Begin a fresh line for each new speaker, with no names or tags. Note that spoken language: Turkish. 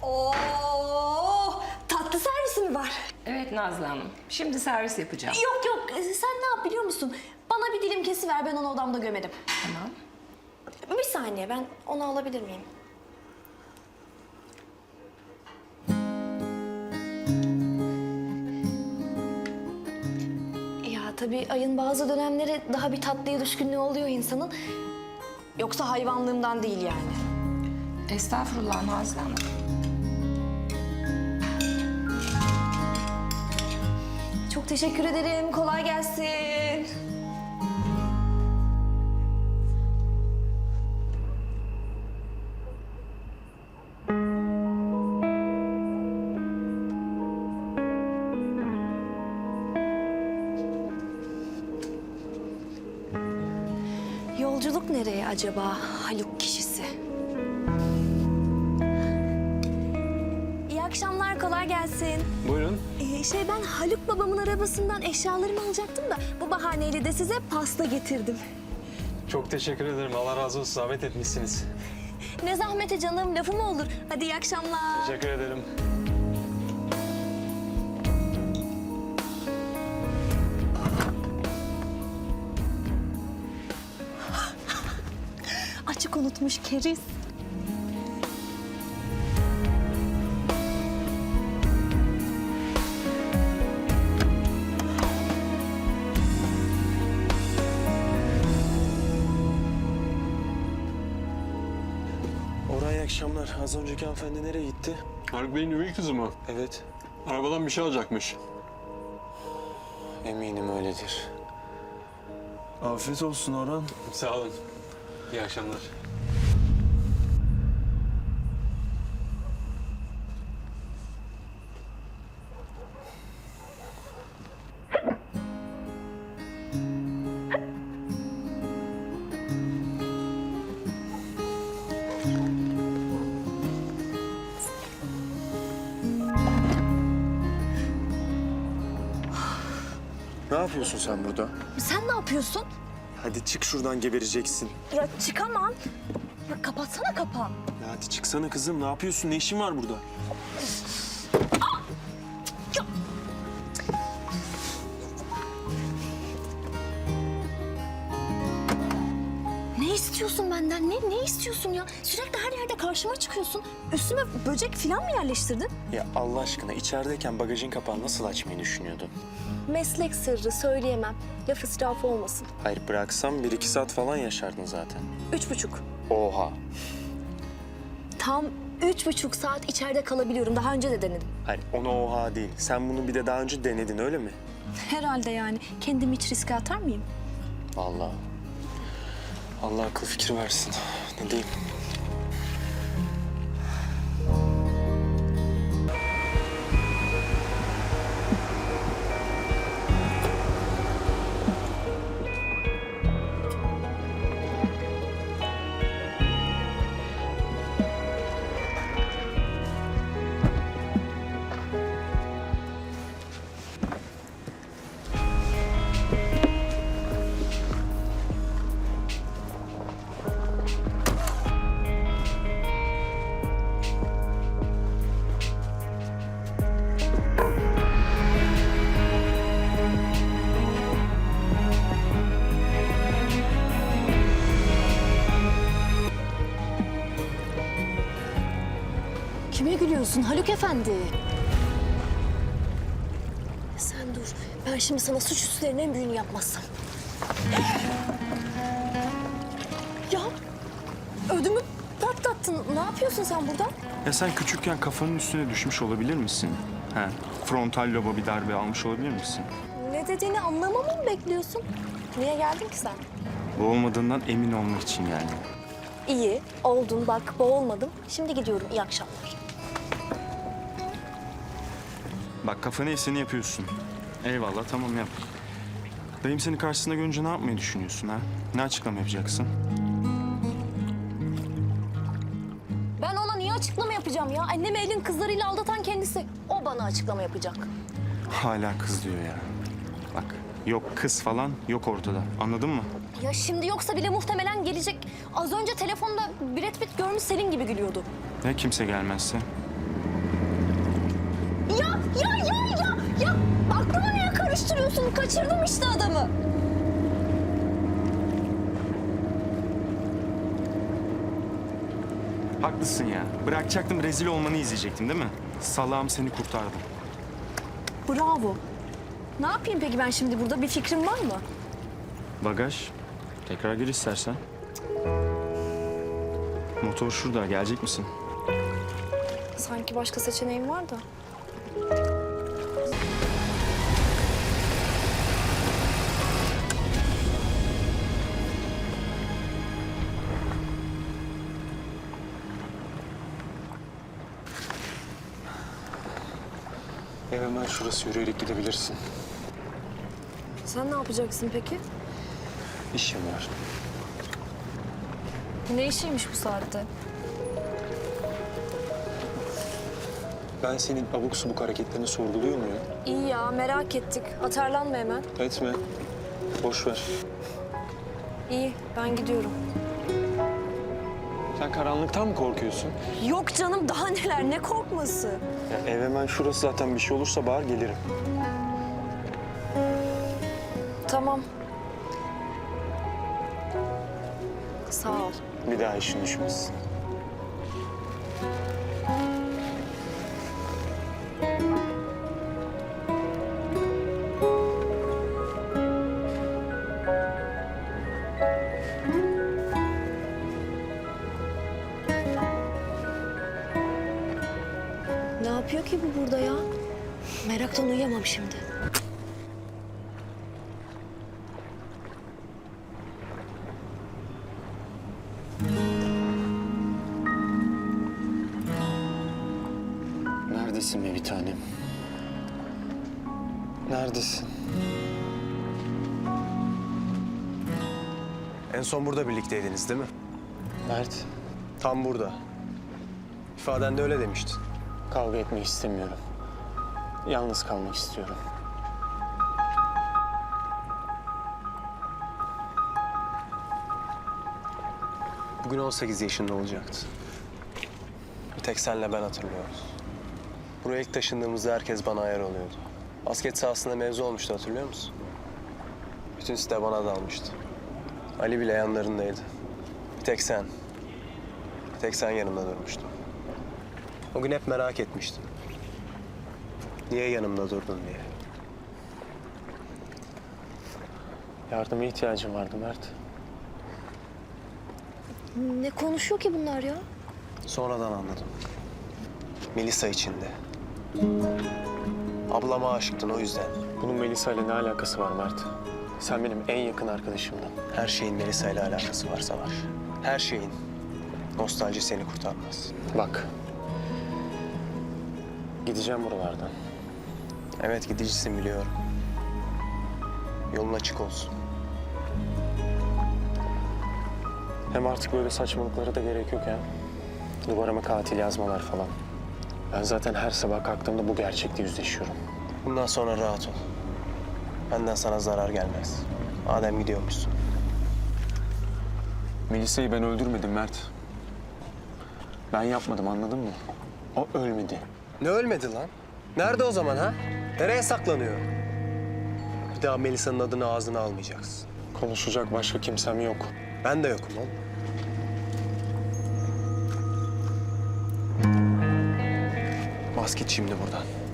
Oo, tatlı servisi mi var?
Evet Nazlı Hanım. Şimdi servis yapacağım.
Yok yok, sen ne yap biliyor musun? Bana bir dilim kesiver, ben onu odamda gömerim.
Tamam.
Bir saniye, ben onu alabilir miyim? Ya tabii ayın bazı dönemleri daha bir tatlıya düşkünlüğü oluyor insanın. Yoksa hayvanlığımdan değil yani.
Estağfurullah Nazlı Hanım.
Çok teşekkür ederim, kolay gelsin. Yolculuk nereye acaba Haluk kişisi? İyi akşamlar, kolay gelsin.
Buyurun.
Ben Haluk babamın arabasından eşyalarımı alacaktım da bu bahaneyle de size pasta getirdim.
Çok teşekkür ederim. Allah razı olsun. Zahmet etmişsiniz.
Ne zahmeti canım, lafı mı olur? Hadi iyi akşamlar.
Teşekkür ederim.
Açık unutmuş keriz.
Oraya akşamlar. Az önceki hanımefendi nereye gitti?
Haluk Bey'in üvey kızı mı?
Evet.
Arabadan bir şey alacakmış.
Eminim öyledir. Afiyet olsun Orhan.
Sağ olun. İyi akşamlar.
Ne yapıyorsun sen burada?
Sen ne yapıyorsun?
Hadi çık şuradan, gebereceksin.
Ya çıkamam. Ya kapatsana kapağı.
Ya hadi çıksana kızım. Ne yapıyorsun? Ne işin var burada?
Ne istiyorsun benden? Ne istiyorsun ya? Sürekli her yerde karşıma çıkıyorsun. Üstüme böcek falan mı yerleştirdin?
Ya Allah aşkına, içerideyken bagajın kapağını nasıl açmayı düşünüyordun?
Meslek sırrı, söyleyemem. Laf israfı olmasın.
Hayır, bıraksam 1-2 saat falan yaşardın zaten.
3,5.
Oha.
Tam 3,5 saat içeride kalabiliyorum. Daha önce de denedim.
Hayır, ona oha değil. Sen bunu bir de daha önce denedin, öyle mi?
Herhalde yani. Kendimi hiç riske atar mıyım?
Vallahi. Allah akıl fikir versin. Ne diyeyim?
Kime gülüyorsun Haluk Efendi? Sen dur. Ben şimdi sana suçüstülerin en büyüğünü yapmazsam. Ya ödümü patlattın. Ne yapıyorsun sen burada?
Ya sen küçükken kafanın üstüne düşmüş olabilir misin? He, frontal loba bir darbe almış olabilir misin?
Ne dediğini anlamamı mı bekliyorsun? Niye geldin ki sen?
Bu olmadığından emin olmak için geldim.
İyi, oldun bak boğulmadım. Şimdi gidiyorum, iyi akşamlar.
Bak kafanı eseni yapıyorsun. Eyvallah, tamam yap. Dayım seni karşısında görünce ne yapmayı düşünüyorsun ha? Ne açıklama yapacaksın?
Ben ona niye açıklama yapacağım ya? Annemi elin kızlarıyla aldatan kendisi. O bana açıklama yapacak.
Hala kız diyor ya. Bak yok kız falan yok ortada. Anladın mı?
Ya şimdi yoksa bile muhtemelen gelecek. Az önce telefonda Brad Pitt görmüş Selin gibi gülüyordu.
Ya kimse gelmezse?
Ya aklımı niye karıştırıyorsun? Kaçırdım işte adamı.
Haklısın ya. Bırakacaktım, rezil olmanı izleyecektim değil mi? Salağım, seni kurtardım.
Bravo. Ne yapayım peki ben şimdi burada? Bir fikrin var mı?
Bagaj. Tekrar gir istersen. Motor şurada. Gelecek misin?
Sanki başka seçeneğim var da.
Ev hemen şurası, yürüyerek gidebilirsin.
Sen ne yapacaksın peki?
İşim var.
Ne işiymiş bu saatte?
Ben senin abuk subuk hareketlerini sorguluyor muyum?
İyi ya, merak ettik. Atarlanma hemen.
Etme. Boş ver.
İyi, ben gidiyorum.
Sen karanlıktan mı korkuyorsun?
Yok canım, daha neler, ne korkması?
Ya ev hemen şurası, zaten bir şey olursa bağır gelirim.
Tamam. Sağ ol.
Bir daha işin düşmesin.
Ne yapıyor ki bu burada ya? Meraktan uyuyamam şimdi.
Neredesin be bir tanem? Neredesin?
En son burada birlikteydiniz değil mi?
Mert,
Tam burada. İfadende öyle demiştin.
kavga etmek istemiyorum. Yalnız kalmak istiyorum.
Bugün 18 yaşında olacaktı. Bir tek senle ben hatırlıyoruz. Buraya ilk taşındığımızda herkes bana ayar oluyordu. Basket sahasında mevzu olmuştu, hatırlıyor musun? Bütün site bana dalmıştı. Ali bile yanlarındaydı. Bir tek sen. Bir tek sen yanımda durmuştun. O gün hep merak etmiştim. Niye yanımda durdun diye.
Yardıma ihtiyacım vardı Mert.
Ne konuşuyor ki bunlar ya?
Sonradan anladım. Melisa içinde. Ablama aşıktın o yüzden.
Bunun Melisa ile ne alakası var Mert? Sen benim en yakın arkadaşımdın.
Her şeyin Melisa ile alakası var Savaş. Her şeyin. Nostalji seni kurtarmaz.
Bak. Gideceğim buralardan.
Evet, gidicisin biliyorum. Yolun açık olsun.
Hem artık böyle saçmalıklara da gerek yok ya. Duvarıma katil yazmalar falan. Ben zaten her sabah kalktığımda bu gerçekle yüzleşiyorum.
Bundan sonra rahat ol. Benden sana zarar gelmez. Madem gidiyormuşsun.
Melisa'yı ben öldürmedim Mert. Ben yapmadım, anladın mı? O ölmedi.
Ne ölmedi lan? Nerede o zaman ha? Nereye saklanıyor? Bir daha Melisa'nın adını ağzına almayacaksın.
Konuşacak başka kimsem yok.
Ben de yokum oğlum. Bas git şimdi buradan.